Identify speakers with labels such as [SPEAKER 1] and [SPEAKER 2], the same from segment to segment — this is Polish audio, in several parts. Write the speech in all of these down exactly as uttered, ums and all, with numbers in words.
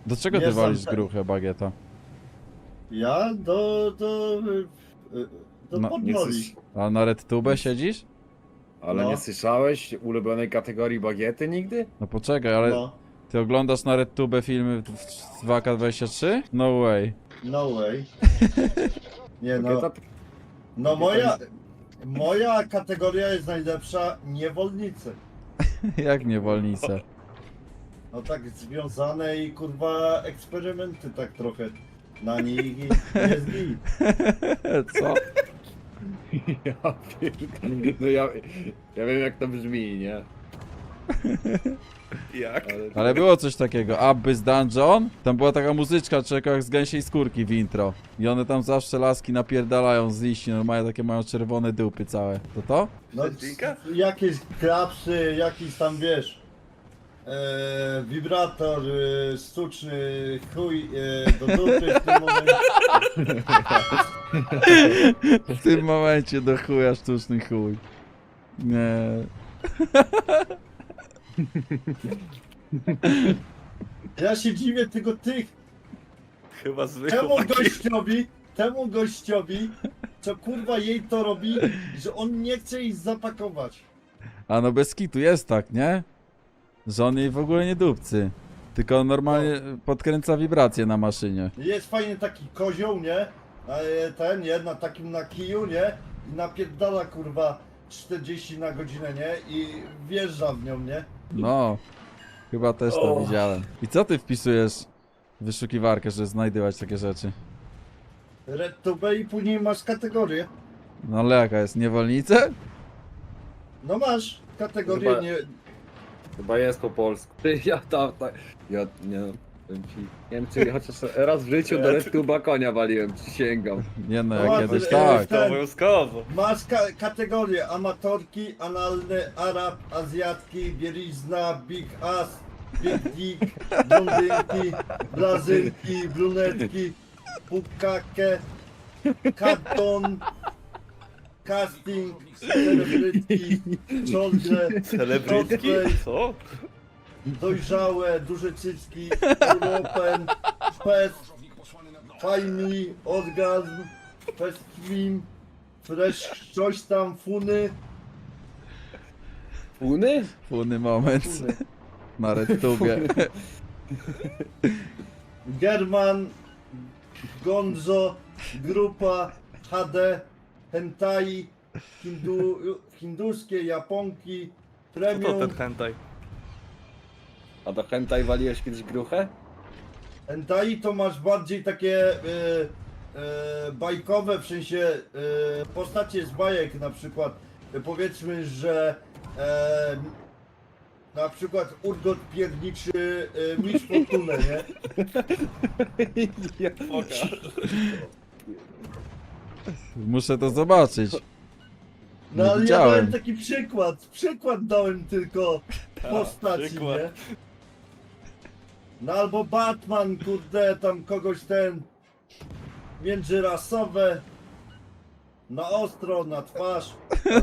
[SPEAKER 1] Do czego
[SPEAKER 2] Nie
[SPEAKER 1] ty walisz
[SPEAKER 2] są te-
[SPEAKER 1] gruchę, Bagieta?
[SPEAKER 2] Ja do... do... y, do
[SPEAKER 1] No,
[SPEAKER 3] nie
[SPEAKER 2] podnoli.
[SPEAKER 3] chcesz-
[SPEAKER 1] A na RedTube siedzieć?
[SPEAKER 3] Ale
[SPEAKER 2] No.
[SPEAKER 3] nie słyszałeś ulubionej kategorii bagiety nigdy?
[SPEAKER 1] No poczekaj, ale
[SPEAKER 2] No.
[SPEAKER 1] ty oglądasz na RedTube filmy w dwa K dwadzieścia trzy? No way.
[SPEAKER 2] No way. Nie no.
[SPEAKER 3] Bagieta
[SPEAKER 2] No moja... Moja kategoria jest najlepsza, niewolnicy.
[SPEAKER 1] Jak niewolnice.
[SPEAKER 2] No tak związane i kurwa eksperymenty tak trochę na nich i jest git.
[SPEAKER 1] Co?
[SPEAKER 3] Ja pierdolę. No ja, ja wiem jak to brzmi, nie?
[SPEAKER 4] Jak?
[SPEAKER 3] Ale,
[SPEAKER 1] Ale było coś takiego, Abyss Dungeon, tam była taka muzyczka, czeka jak z gęsiej skórki w intro. I one tam zawsze laski napierdalają z liści, normalnie takie mają czerwone dupy całe. To to?
[SPEAKER 2] No
[SPEAKER 4] Szczęślinka?
[SPEAKER 2] jakieś klapsy, jakiś tam wiesz. E, wibrator e, sztuczny, chuj e, do dupy w tym momencie.
[SPEAKER 1] W tym momencie do chuja sztuczny chuj. Nie.
[SPEAKER 2] Ja się dziwię tylko tych,
[SPEAKER 4] Chyba zwykły
[SPEAKER 2] temu
[SPEAKER 4] taki.
[SPEAKER 2] gościowi, temu gościowi, co kurwa jej to robi, że on nie chce jej zapakować.
[SPEAKER 1] A no bez kitu jest tak, nie? Że on jej w ogóle nie dupcy. Tylko on normalnie podkręca wibracje na maszynie.
[SPEAKER 2] Jest fajny taki kozioł, nie? A ten, nie? Na takim na kiju, nie? I napierdala kurwa czterdzieści na godzinę, nie? I wjeżdża w nią, nie?
[SPEAKER 1] No. Chyba też to
[SPEAKER 2] O.
[SPEAKER 1] widziałem. I co ty wpisujesz w wyszukiwarkę, żeby znajdywać takie rzeczy?
[SPEAKER 2] RedTube i później masz kategorię.
[SPEAKER 1] No ale jaka jest? Niewolnice?
[SPEAKER 2] No masz kategorię,
[SPEAKER 3] Chyba-
[SPEAKER 2] nie...
[SPEAKER 3] chyba jest po polsku. Ty, ja tam, tak. Ja nie wiem ci. Nie wiem czy chociaż raz w życiu do RedTube'a konia waliłem, przysięgam.
[SPEAKER 1] Nie no,
[SPEAKER 2] No,
[SPEAKER 1] jak
[SPEAKER 2] ale-
[SPEAKER 1] kiedyś
[SPEAKER 2] e,
[SPEAKER 1] tak.
[SPEAKER 2] ten-
[SPEAKER 4] Obowiązkowo.
[SPEAKER 2] Masz ka kategorie amatorki, analny, arab, azjatki, bielizna, big ass, big dick, blondynki, brazylki, brunetki, pukake, karton, casting, celebrytki, ciągle,
[SPEAKER 4] Celebrytki? Co?
[SPEAKER 2] dojrzałe, duże cycki, Europen, fest, family, orgazm, fest film, fresh, coś tam, funy,
[SPEAKER 3] Puny?
[SPEAKER 1] Funy moment
[SPEAKER 2] funy.
[SPEAKER 1] na RedTubie.
[SPEAKER 2] German, Gonzo, Grupa, H D, Hentai, hindu, hinduskie, Japonki,
[SPEAKER 4] Co to
[SPEAKER 2] Premium,
[SPEAKER 4] ten hentai?
[SPEAKER 3] A do hentai waliłeś kiedyś gruchę?
[SPEAKER 2] Hentai to masz bardziej takie e, e, bajkowe, w sensie e, postacie z bajek na przykład. E, powiedzmy, że e, na przykład Urgot pierniczy e, Mistrz Fortunę, nie?
[SPEAKER 3] Ja
[SPEAKER 4] Pokaż.
[SPEAKER 1] Muszę to zobaczyć.
[SPEAKER 2] No
[SPEAKER 1] Nie
[SPEAKER 2] ale ja
[SPEAKER 1] widziałem.
[SPEAKER 2] dałem taki przykład, przykład dałem tylko postaci,
[SPEAKER 4] przykład.
[SPEAKER 2] nie? No albo Batman, kurde, tam kogoś ten międzyrasowe, na ostro, na twarz,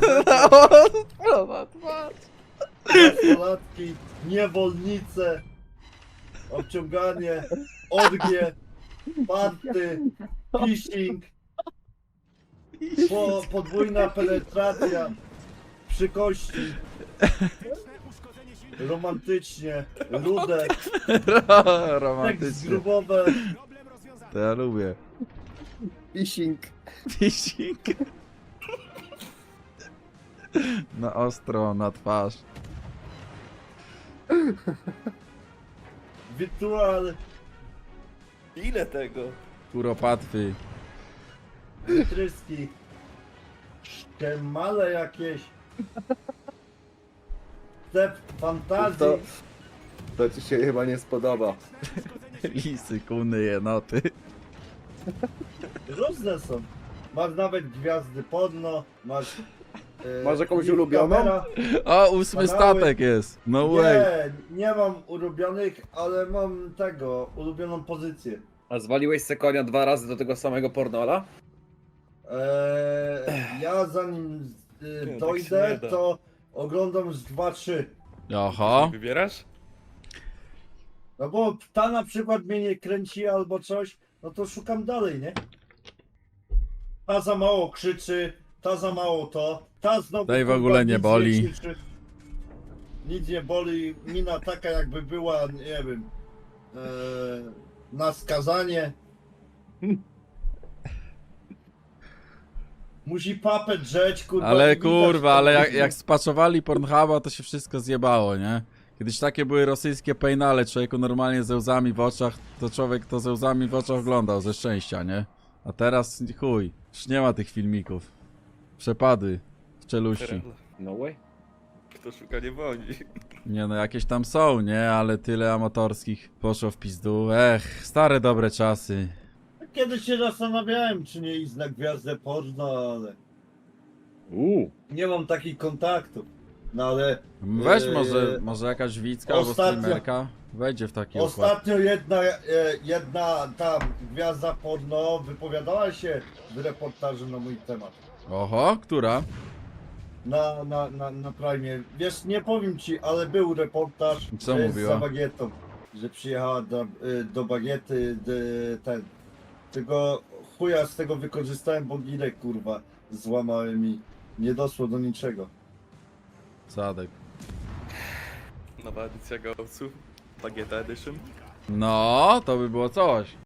[SPEAKER 2] nastolatki, niewolnice, obciąganie, orgie, party, phishing, po, podwójna penetracja, przy kości, romantycznie, rude, seks
[SPEAKER 1] Romantycznie.
[SPEAKER 2] grubowe,
[SPEAKER 1] To ja lubię.
[SPEAKER 3] Phishing.
[SPEAKER 1] Phishing. Na ostro, na twarz.
[SPEAKER 2] wirtual,
[SPEAKER 4] Ile tego?
[SPEAKER 1] Kuropatwy.
[SPEAKER 2] wytryski, szczemale jakieś, step fantazji,
[SPEAKER 3] To, to ci się chyba nie spodoba.
[SPEAKER 1] Lisy, kuny, jenoty.
[SPEAKER 2] różne są. Masz nawet gwiazdy podno, masz... e,
[SPEAKER 3] Masz jakąś
[SPEAKER 2] Liv
[SPEAKER 3] ulubioną?
[SPEAKER 2] Camera.
[SPEAKER 1] O, ósmy
[SPEAKER 2] Kanały.
[SPEAKER 1] statek jest. No way.
[SPEAKER 2] Nie, nie mam ulubionych, ale mam tego, ulubioną pozycję.
[SPEAKER 3] A zwaliłeś se konia dwa razy do tego samego pornola?
[SPEAKER 2] Eee, ja zanim y,
[SPEAKER 4] tak się
[SPEAKER 2] dojdę,
[SPEAKER 4] nie da.
[SPEAKER 2] to oglądam z dwa trzy.
[SPEAKER 1] Aha.
[SPEAKER 4] Wybierasz?
[SPEAKER 2] No bo ta na przykład mnie nie kręci albo coś, no to szukam dalej, nie? Ta za mało krzyczy, ta za mało to, ta znowu...
[SPEAKER 1] Tej w
[SPEAKER 2] kurwa,
[SPEAKER 1] ogóle nie
[SPEAKER 2] nic
[SPEAKER 1] boli.
[SPEAKER 2] krzyczy. Nic nie boli, mina taka jakby była, nie wiem, e, na skazanie. Musi papę drzeć, kurwa.
[SPEAKER 1] Ale
[SPEAKER 2] nie widać
[SPEAKER 1] kurwa, ale jak,
[SPEAKER 2] tego.
[SPEAKER 1] jak spaczowali Pornhuba, to się wszystko zjebało, nie? Kiedyś takie były rosyjskie pejnale, człowieku normalnie ze łzami w oczach, to człowiek to ze łzami w oczach oglądał, ze szczęścia, nie? A teraz chuj, już nie ma tych filmików. Przepady w czeluści.
[SPEAKER 3] No way.
[SPEAKER 4] Kto szuka nie boli.
[SPEAKER 1] Nie no, jakieś tam są, nie? Ale tyle amatorskich poszło w pizdu. Ech, stare dobre czasy.
[SPEAKER 2] Kiedyś się zastanawiałem, czy nie iść na gwiazdę porno, ale
[SPEAKER 3] Uuu.
[SPEAKER 2] nie mam takich kontaktów. No ale
[SPEAKER 1] Weź
[SPEAKER 2] Eee,
[SPEAKER 1] może, może jakaś widzka albo
[SPEAKER 2] ostatnio-
[SPEAKER 1] streamerka wejdzie w taki układ.
[SPEAKER 2] ostatnio jedna, e, jedna ta gwiazda porno wypowiadała się w reportażu na mój temat.
[SPEAKER 1] Oho, która?
[SPEAKER 2] Na, na, na, na Prime. Wiesz, nie powiem ci, ale był reportaż
[SPEAKER 1] Co
[SPEAKER 2] e,
[SPEAKER 1] mówiła?
[SPEAKER 2] za bagietą, że przyjechała do, e, do bagiety de, ten. Tego chuja z tego wykorzystałem, bo gilek kurwa złamałem i nie doszło do niczego.
[SPEAKER 1] Sadek.
[SPEAKER 4] Nowa edycja Gołców. Bagieta Edition.
[SPEAKER 1] No, to by było coś.